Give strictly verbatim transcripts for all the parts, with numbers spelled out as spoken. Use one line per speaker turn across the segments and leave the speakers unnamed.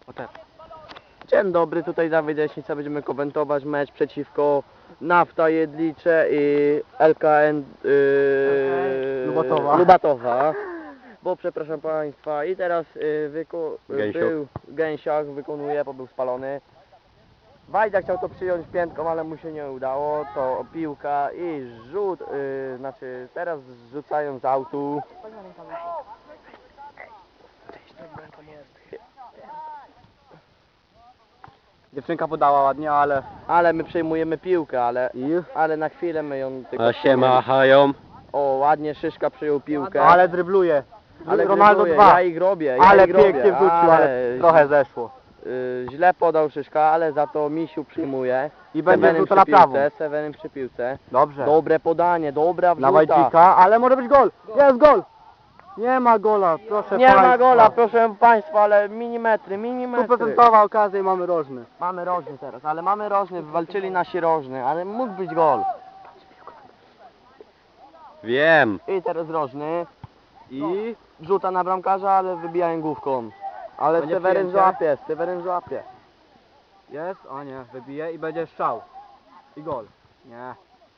O tak.
Dzień dobry, tutaj Dawid Jaśnica, będziemy komentować mecz przeciwko Nafta Jedlicze i L K N yy,
Lubatowa.
Lubatowa. Bo przepraszam Państwa i teraz yy, wyko
Gęsiok.
był Gęsiak, wykonuje, bo był spalony. Wajda chciał to przyjąć piętką, ale mu się nie udało, to piłka i rzut, yy, znaczy teraz rzucają z autu.
Dziewczynka podała ładnie, ale...
Ale my przejmujemy piłkę, ale,
I?
ale na chwilę my ją tylko...
A się machają.
O, ładnie Szyszka przyjął piłkę.
Ale drybluje.
ale
Ronaldo
gratuluję,
dwa.
Ja ich robię, ja
ale
ich robię,
pięknie wrzucił, ale,
ale
trochę zeszło.
y, źle podał Szyszka, ale za to Misiu przyjmuje.
I będzie
Sewenem
rzut na
przy piłce,
prawą.
Sewenem przy piłce.
Dobrze.
Dobre podanie, dobra
Na
wrzuta.
Wajdzika, ale może być gol. Jest gol. Nie ma gola, proszę
Nie
państwa.
ma gola, proszę Państwa, ale milimetry, milimetry.
Stuprocentowa okazja i mamy rożny.
Mamy rożny teraz, ale mamy rożny, walczyli nasi rożny, ale mógł być gol.
Wiem.
I teraz rożny.
I...
Rzuta na bramkarza, ale wybijają główką. Ale
Będzie
Seweryn
przyjęcie?
złapie, Seweryn złapie.
Jest, o nie, wybije i będzie strzał. I gol. Nie.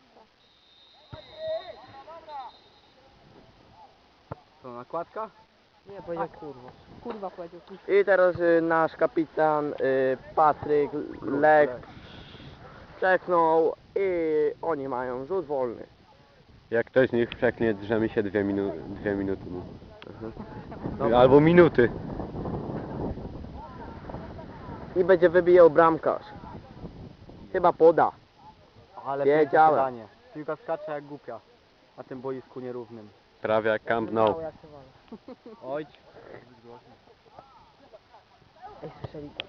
To nakładka?
Nie, powiedział kurwa. Kurwa powiedział. kurwa.
I teraz y, nasz kapitan y, Patryk Lek przeknął i oni mają rzut wolny.
Jak ktoś z nich przeknie, drzemy się dwie, minu dwie minuty.
Dobra.
Albo minuty.
I będzie wybijał bramkarz. Chyba poda.
Ale
Wiedziałem.
piękne podanie. Piłka skacze jak głupia na tym boisku nierównym.
Prawie jak Camp Nou.
Mało jak się wala.
Oj.
Ej, słyszeli to.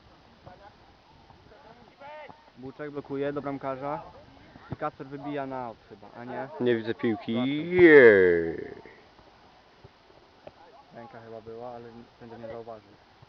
Buczek blokuje do bramkarza. I Kacper wybija na aut chyba, a nie?
Nie widzę piłki. Jej.
Ręka chyba była, ale sędzia nie zauważył.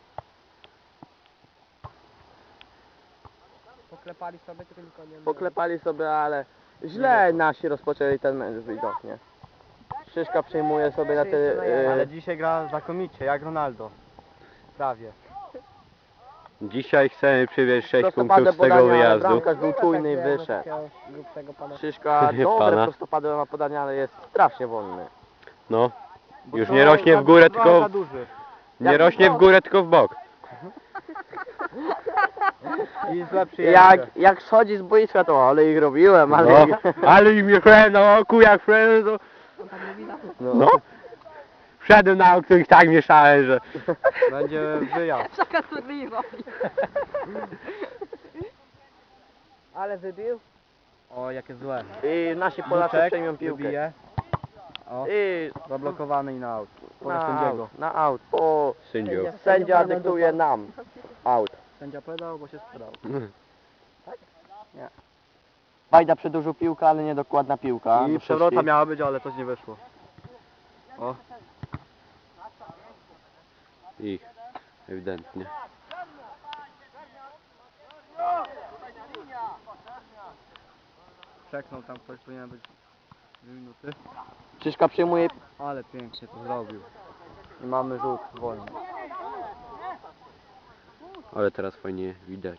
Poklepali sobie, tylko nikogo nie było.
Poklepali sobie, ale źle nasi rozpoczęli ten mecz widocznie. Szyszka przejmuje sobie na te... y,
Ale dzisiaj gra znakomicie, jak Ronaldo. Prawie.
Dzisiaj chcemy przywieźć sześć
prostopadłe
punktów z tego
podanie, ale
wyjazdu.
bramkarz był czujny i
Tak, nie,
wyszedł.
takiego grubszego pana.
Szyszka
Nie
dobre
pana.
prostopadłe ma podanie, ale jest strasznie wolny.
No.
Bo
Już
to
nie rośnie w górę,
za-
tylko-
za duży.
Nie rośnie w górę, tylko w bok.
I złe przyjęcie.
Jak, jak schodzi z boiska, to ale ich robiłem, ale...
No. Ale im jechałem na oku, jak wszedłem, to...
No.
No. Wszedłem na oku i tak mieszałem, że...
Będzie wyjazd.
Taka turliwa. Ale wybił?
O, jakie złe.
I nasi Polacy
Buczek
przejmą piłkę.
wybije. O,
I
zablokowany i na aut. Powiedz
na
sędziego.
out, na out. O,
Sędziów.
sędzia dyktuje nam out.
Sędzia pedał, bo się sprzedał.
Bajda przedłużył piłkę, ale niedokładna piłka.
I
do
przewrota
Szyszki.
miała być, ale coś nie wyszło. O,
Ich. Ewidentnie.
przeknął tam ktoś, powinien być dwie minuty.
Szyszka przyjmuje
Ale pięknie to zrobił.
i mamy rzut wolny.
Ale teraz fajnie widać.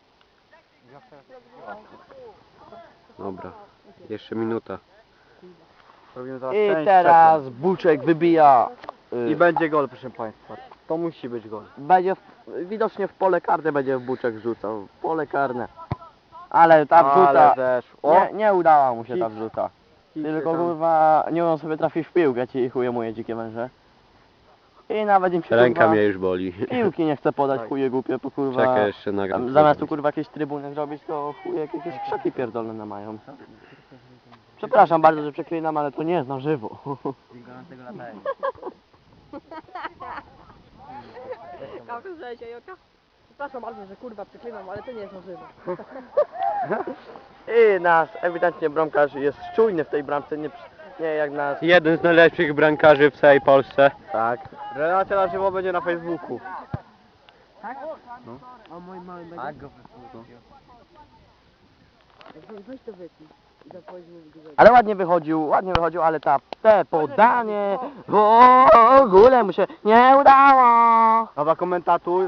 Dobra. Jeszcze minuta.
Robimy teraz
I
część
teraz Buczek wybija.
trzecią.
y,
I będzie gol, proszę państwa. To musi być gol.
Będzie w, widocznie w pole karne będzie w Buczek rzucał. W pole karne. Ale ta wrzuta.
Ale zeszło.
Nie, nie udała mu się ta
Hit.
wrzuta.
Hit
Tylko
się tam-
kurwa nie umiem sobie trafić w piłkę, ci chuje moje dzikie męże. I nawet im się
Ręka
kurwa,
mnie już boli.
piłki nie chce podać,
Tak.
chuje głupie, bo kurwa
Czekaj, jeszcze nagram.
tam, zamiast tu kurwa jakieś trybuny zrobić, to chuje jakieś krzaki pierdolne mają. Przepraszam bardzo, że przeklinam, ale to nie jest na żywo.
Kawka zlecie, Joka. Przepraszam bardzo, że kurwa przeklinam, ale to nie jest na żywo.
I nasz ewidentnie bramkarz jest czujny w tej bramce, nie, przy- nie jak nas.
Jeden z najlepszych brankarzy w całej Polsce.
Tak.
Relacja na żywo będzie na Facebooku.
Tak?
No.
O mój mały będzie.
Tak go
Weź- Weź to wytnij. I to powiedz mi w górze.
Ale ładnie wychodził, ładnie wychodził, ale ta te podanie w ogóle mu się nie udało.
Dobra, komentatuj.